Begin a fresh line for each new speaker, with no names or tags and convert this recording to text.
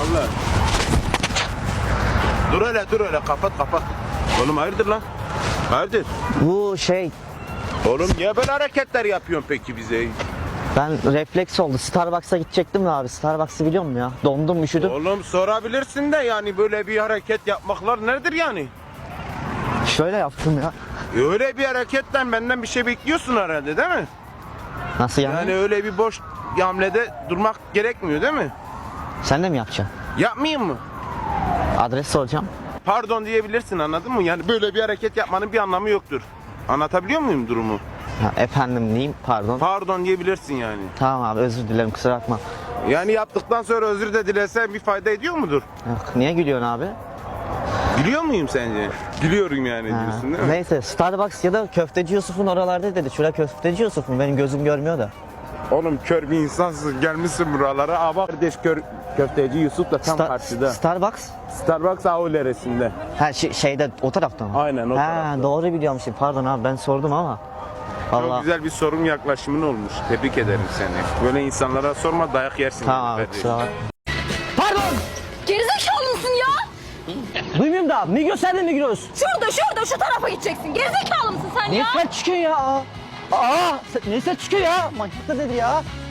Vallahi. Dur öyle kapat. Oğlum hayırdır lan? Hayırdır?
Bu şey,
Oğlum niye böyle hareketler yapıyorsun peki bize?
ben refleks oldu. Starbucks'a gidecektim de abi. Starbucks'ı biliyor musun ya? Dondum, üşüdüm.
Oğlum sorabilirsin de yani böyle bir hareket yapmaklar nedir yani?
Şöyle yaptım ya.
Öyle bir hareketten benden bir şey bekliyorsun herhalde değil mi?
Nasıl yani?
Yani öyle bir boş hamlede durmak gerekmiyor değil mi?
Sen de mi yapacaksın?
Yapmayayım mı?
Adres soracağım.
Pardon diyebilirsin, anladın mı? Yani böyle bir hareket yapmanın bir anlamı yoktur. Anlatabiliyor muyum durumu?
Ha, efendim diyeyim, pardon.
Pardon diyebilirsin yani.
Tamam abi, özür dilerim, kusura bakma.
Yani yaptıktan sonra özür de dilesen bir fayda ediyor mudur?
Yok, niye gülüyorsun abi?
Gülüyor muyum sence? Gülüyorum yani
Ha,
diyorsun değil mi?
neyse, Starbucks ya da Köfteci Yusuf'un oralarda dedi. Şurada Köfteci Yusuf mu? Benim gözüm görmüyor da.
Oğlum kör bir insansın, gelmişsin buralara. Aa bak kardeş, köfteci Yusuf da tam karşıda.
Starbucks?
Starbucks Auleresinde.
Ha şeyde, o tarafta mı?
Aynen, o
ha,
tarafta.
Doğru biliyormuşum. Pardon abi, ben sordum ama.
Çok
Vallahi.
güzel bir sorun yaklaşımın olmuş. Tebrik ederim seni. Böyle insanlara sorma, dayak yersin.
Tamam abi,
kardeş.
kusura bakma. Pardon!
Gerizekalı mısın ya?
Duymuyorum da. Migros nerede Migros?
Şurada şu tarafa gideceksin. Gerizekalı mısın sen
Ne
ya?
ses çıkıyor ya? Aa! Ne ses çıkıyor ya? Manyak da dedi ya.